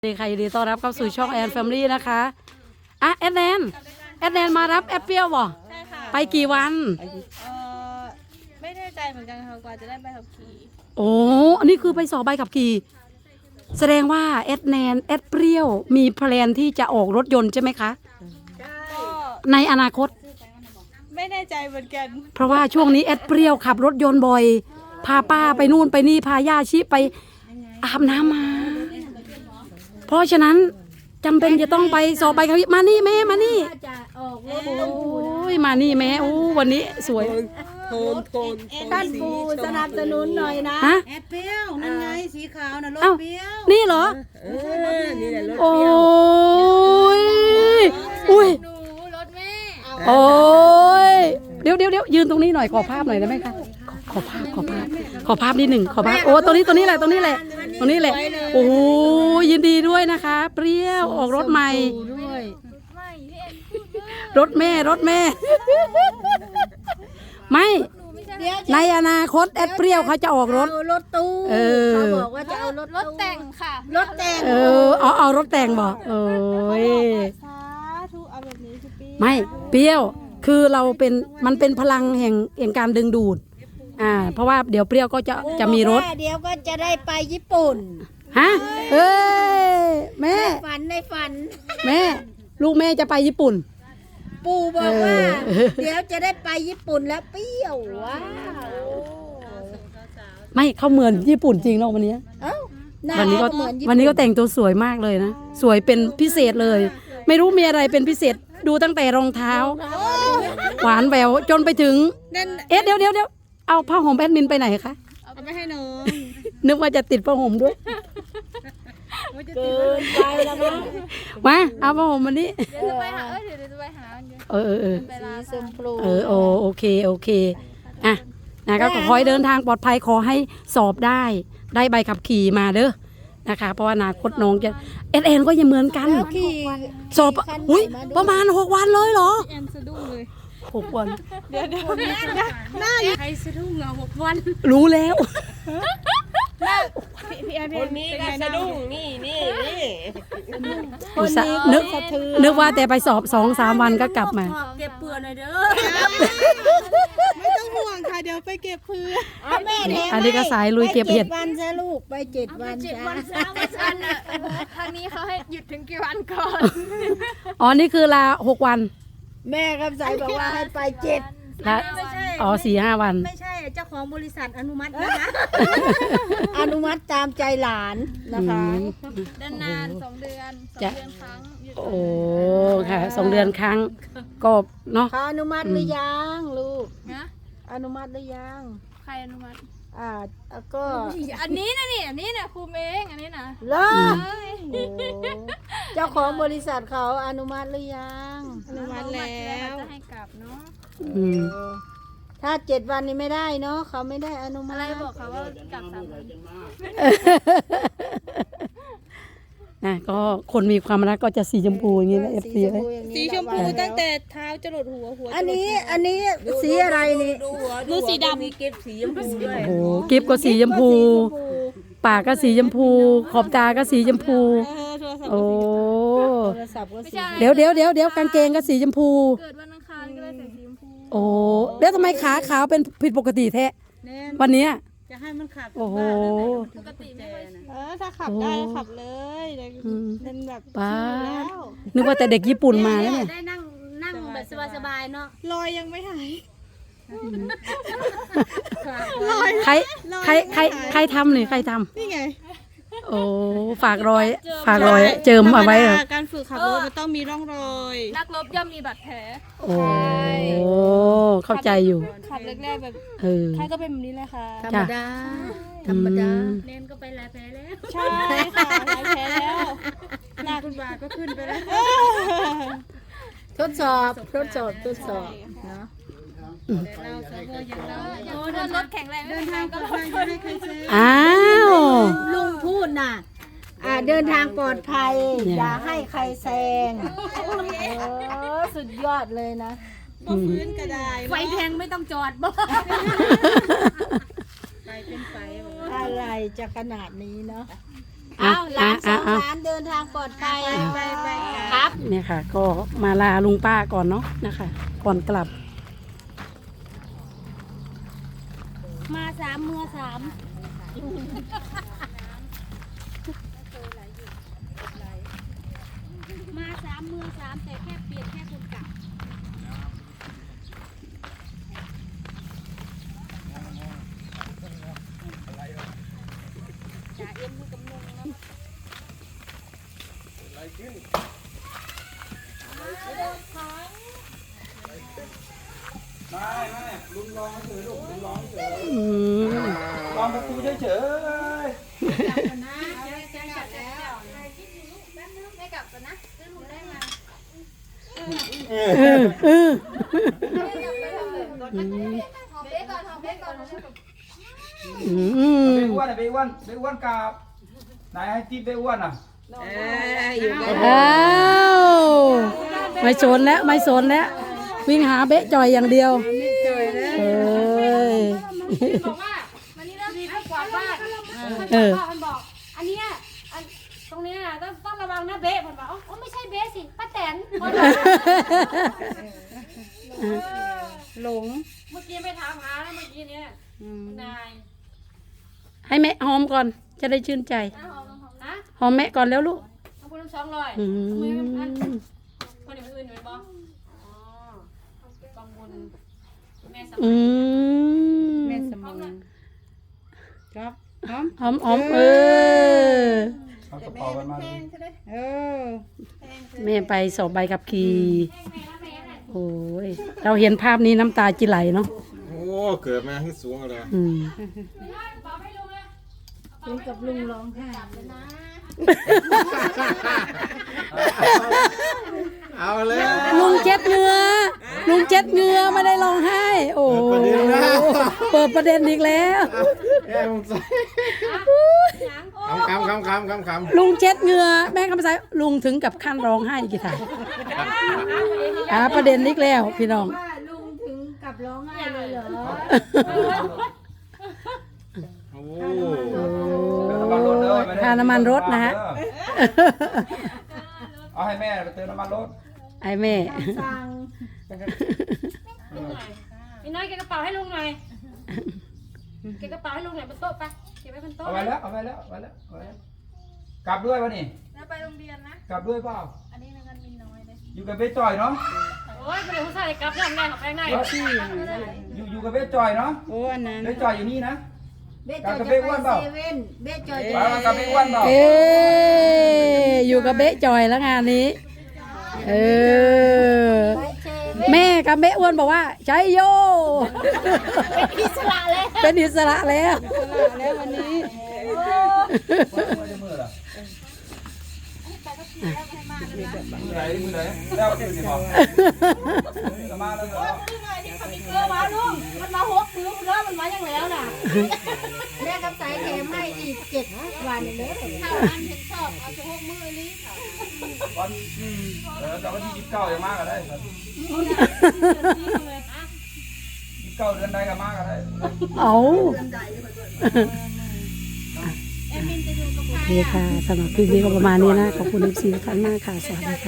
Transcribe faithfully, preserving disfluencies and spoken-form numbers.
สวัสดีค่ะยินดีต้อนรับเข้าสู่ช่องแอนแฟมิลี่นะคะอ่ะแอดแนนแอดแนนมารับแอปเปิลบ่ใช่ค่ะไปกี่วันเออไม่แน่ใจเหมือนกันค่ะกว่าจะได้ใบขับขี่โอ้อันนี้คือไปสอบใบขับขี่แสดงว่าแอดแนนแอดเปรี้ยวมีแพลนที่จะออกรถยนต์ใช่ไหมคะก็ในอนาคตไม่แน่ใจเหมือนกันเพราะว่าช่วงนี้แอดเปรี้ยวขับรถยนต์บ่อย พาป้าไปนู่นไปนี่พาย่าชิไปอาบน้ำมา เพราะฉะนั้นจำเป็นจะต้องไปสอบใบขับขี่มานี่แม่มานี่โอ้ยมานี่แม่โอ้วันนี้สวยโทนโทนท่านปูสนับสนุนหน่อยนะฮะแอดเปรี้ยวนั่นไงสีขาวนะรถเอ้าเปรี้ยวนี่เหรอเออนี่แหละรถโอ้เปรี้ยวยอุ้ยหนูรถแม่โอ้ยเดี๋ยวเดี๋ยวเดี๋ยวยืนตรงนี้หน่อยขอภาพหน่อยได้ไหมคะขอขอภาพขอภาพขอภาพนิดหนึ่งขอภาพโอ้ตรงนี้ตรงนี้แหละตรงนี้แหละตรงนี้แหละโอ้ยยินดีด้วยนะคะ เปรี้ยวออกรถใหม่ด้วยไม่พี่เอ็นพูดด้วยรถแม่รถแม่ ไม่หนูไม่ใช่เดี๋ยวในอนาคตแอดเปรี้ยวเขาจะออกรถเอารถตู้เออเขาบอกว่าจะเอารถรถแต่งค่ะรถแต่งเออเอาเอารถแต่งบอกเอ้ยสาธุเอาแบบนี้สิพี่ไม่เปรี้ยวคือเราเป็นมันเป็นพลังแห่งแห่งการดึงดูดอ่าเพราะว่าเดี๋ยวเปรี้ยวก็จะจะมีรถเดี๋ยวก็จะได้ไปญี่ปุ่นฮะเอ้ยแม่ในฝันในฝันแม่ลูกแม่จะไปญี่ปุ่นปู่บอกว่าเออเดี๋ยวจะได้ไปญี่ปุ่นแล้วเปรี้ยวว้าวไม่เขาเหมือนญี่ปุ่นจริงเนาะวันนี้เอ้าหาวันนี้ก็เหมือนญี่วันนี้ก็แต่งตัวสวยมากเลยนะสวยเป็นพิเศษเลย ไม่รู้มีอะไรเป็นพิเศษดูตั้งแต่รองเท้า หวานแหววจนไปถึงนั่นเอ๊ะเดี๋ยวเดี๋ยวเดี๋ยวเอาผ้าห่มแอดมินไปไหนคะเอาไปให้น้องนึกว่าจะติดผ้าห่มด้วยเกินไปแล้วนะมาเอาผ้าห่มมานี่เดี๋ยวจะไปหาเอ้ยเดี๋ยวจะไปหาเดี๋ยวเออเออเออไปลาสีชมพูเออโอโอเคโอเคอ่ะนะก็ขอให้เดินทางปลอดภัยขอให้สอบได้ได้ใบขับขี่มาเด้อนะคะ เพราะว่าอนาคตน้องจะเอสเอ็นก็ยังเหมือนกันแล้วขี่สอบอุ้ยประมาณหกวันเลยเหรอแอนสะดุ้งเลยหกวันเดี๋ยวเดี๋ยวหน้าใครสะดุ้งเหรอหกวันรู้แล้วพี่พี่แอนพี่คแอนนนี้ก็สะดุ้งนี่นี่นี่อุตส่าห์นึกนึกว่าแต่ไปสอบสองสามวันก็กลับมาเก็บเปลือกหน่อยเด้อไม่ต้องห่วงค่ะเดี๋ยวไปเก็บเพื่อเอาแม่แถมอันนี้ก็สายลุยเก็บเห็ดไปวันซะลูกไปเจ็ดวันเจ็ดจ้าวันสามวันอ่ะทางนี้เขาให้หยุดถึงกี่วันก่อนอ๋อนี่คือลาหกวันแม่คำสายบอกว่าให้ไปเจ็ดละไม่ใช่อ๋อสี่ห้าวันไม่ใช่เจ้าของบริษัทอนุมัตินะคะ อนุมัติตามใจหลานนะคะเดินนานสองเดือนสองจะเดือนครั้งหยุดโอ้ค่ะสองเดือนครั้งก็เนาะเขาอนุมัติหรือยังลูกนะอนุมัติหรือยังใครอนุมัติอ่าแล้วก็อันนี้นะนี่อันนี้นะครูเองอันนี้นะเลิกเอ้ยโอ้เจ้าของบริษัทเขาอนุมัติหรือยังอนุมัติแล้วจะให้กลับเนาะอืมเออถ้าเจ็ดวันนี้ไม่ได้เนาะเขาไม่ได้อนุมัอะติไรบอกเขาว่ากลับสามวันนะก็คนมีความรักก็จะสีชมพูอย่างนี้นะเอฟซีสีชมพูอย่างนี้สีชมพูตั้งแต่เท้าจรดหัวหัวอันนี้อันนี้สีอะไรนี่ดูหัวดูสีดำมีเก็บสีชมพูด้วยโอ้โหกิฟก็สีชมพู ปากก็สีชมพู ขอบตาก็สีชมพูเออโทรศัพท์โอ้โทรศัพท์ก็ไม่สีใช่เดี๋ยวเดี๋ยวเดี๋ยวเดี๋ยวกางเกงก็สีชมพูเกิดวันอังคารก็เลยใส่สีชมพูโอ้แล้วทำไมขาขาวเป็นผิดปกติแท้แน่วันเนี้ยจะให้มันขับโอ้โหปกติไม่ค่อยเออถ้าขับได้ก็ขับเลยเดี๋ยวอืมเป็นแบบป้าชิลแล้วนึกว่าแต่เด็กญี่ปุ่นมาแล้วเนี่ยได้นั่งนั่งแบบสบายๆเนาะรอยยังไม่หายใครใครใครใครทำนี่ใครทนี่ไงำโอ้ฝากรอย ฝากรอย เจิมเอาไว้เหรอธรรมดาการฝึกขับรถมันต้องมีร่องรอย นักรบย่อมมีบาดแผลโอ้เข้าใจอยู่ขับแรกๆแบบเออใครก็เป็นแบบนี้เลยค่ะธรรมดา ธรรมดาอืมเน้นก็ไปหลายแผลแล้วใช่ค่ะหลายแผลแล้วหนักคุณบาก็ขึ้นไปแล้ว ทดสอบ ทดสอบ ทดสอบเนาะเราเซิร์ฟเวอร์ยังเราโอ้รถแข็งแรงเดินทางก็รถอ้าวลุงพูดน่ะ อ่าเดินทางปลอดภัยเนี่ยอย่าให้ใครแซงเออสุดยอดเลยนะอืมพื้นกระไดไฟแทงไม่ต้องจอดบ่อะไรจะขนาดนี้เนาะอ่ะเอาหลาอ่ะนสอ่ะองอ่ะหลานเดินทางปลอดภัยไปไปครับเนี่ยค่ะ ก็มาลาลุงป้าก่อนเนาะนะคะ ก่อนกลับมาสามมือสามมาสามมือสามแต่แค่เปลี่ยนแค่คนกลับจ่าเอ็มมือกำนงนะไม่ไม่ลุงลองเฉยลูกลุงลองเฉยอืมลองประตูเฉยเฉยนะจะจะกลับแล้วคิดอยู่ลูกแป๊บนึงไม่กลับก่อนนะซื้อหนูได้มาเออเออหอมเบ๊ก่อนหอมเบ๊ก่อนอืเบมอ้วนอะเบอ้วนเบอ้วนกับไหนให้ติ๊บเบอ้วนอ่ะเอ้ยอยู่กันอ้าวไม่สนแล้วไม่สนแล้ว วิ่งหาเบะจ่อยอย่างเดียวเอ้ยบอกว่าวันนี้เราให้กวาดบ้านเออมันบอกอันเนี้ยอันตรงเนี้ยต้องต้องระวังนะเบ๊มันบอกอ๋อไม่ใช่เบ๊สิป้าแตนหลงเมื่อกี้ไปถามหาแล้วเมื่อกี้เนี่ยนายให้แม่หอมก่อนจะได้ชื่นใจนะหอมหอมนะหอมแม่ก่อนแล้วลูกขอบคุณทั้งสองร้อยอืมืออันมคนอื่นอยู่ไหมบ้างอ๋อกองบุญแม่สอืมัยมแม่สมองครับหอมหอมหอมเออเอากระเป๋ากันมาเลยเออแม่ไปสอบใบขับขี่โอ้ยเราเห็นภาพนี้น้ำตาจิไหลเนาะโอ้ เกิดมาขึ้นสูงเลยอืมเป็นกับลุงร้องไห้เอาเลยลุงเจ็ดเหงือลุงเจ็ดเหงือไม่ได้ร้องไห้ โอ้โหเปิดประเด็นอีกแล้วแอบผมใส่คำคำคำคำคำคำลุงเจ็ดเหงือแม่คำสายลุงถึงกับขั้นร้องไห้กี่ถ่ายอ่าประเด็นอีกแล้วพี่น้องว่าลุงถึงกับร้องไห้เลยเหรอโอ้เติมน้ำมันรถเด้อไม่ได้ค่าน้ำมันรถนะฮะเอาให้แม่ไปเติมน้ำมันรถไอ้แม่สั่งพี่น้อยเก็บกระเป๋าให้ลุงหน่อยเก็บกระเป๋าให้ลุงหน่อยบนโต๊ะไปเก็บไว้บนโต๊ะเอาไว้แล้วเอาไว้แล้วเอาไว้แล้วเอาไว้แล้วกลับด้วยวะนี่แล้วไปโรงเรียนนะกลับด้วยเปล่าอันนี้เงินมีน้อยเลยอยู่กับเบสจอยเนาะโอ้ยไม่ได้ผู้ชายกลับน้ำแน่ของแป้งได้อยู่อยู่กับเบสจอยเนาะโอ้อันนั้นเบสจอยอยู่นี่นะเบสจอยจะไปเซเว่นเบสจอยจะไปมากับเบสอ้วนเปล่าเอ๊ะอยู่กับเบ๊ะจอยแล้วงานนี้ เออไปเซเว่นแม่กับเบ๊ะอ้วนบอกว่าใช้โยอิสระเลยเป็นอิสระแล้วแล้ววันนี้ไม่ได้มือเหรอมือไหนมือไหนแล้วมือไหนบอกจะมาแล้วเหรอเออมาลุงมันมาหกซื้อเริ่มมันมาอย่างแล้วน่ะแม่กับสายแถมให้อีกเจ็ดวันเลยถ้าอันเห็นชอบเอาจะหกมือนี้ค่ะวันเออแต่วันที่ยี่สิบเก้ายังมากก็ได้ครับยี่สิบเก้าเดือนใดก็มากก็ได้เอาแอมมินจะอยู่กับใครโอเคค่ะสำหรับคลิปนี้ก็ประมาณนี้นะ ขอบคุณเอฟซีทุกท่านมากค่ะ สวัสดีค่ะ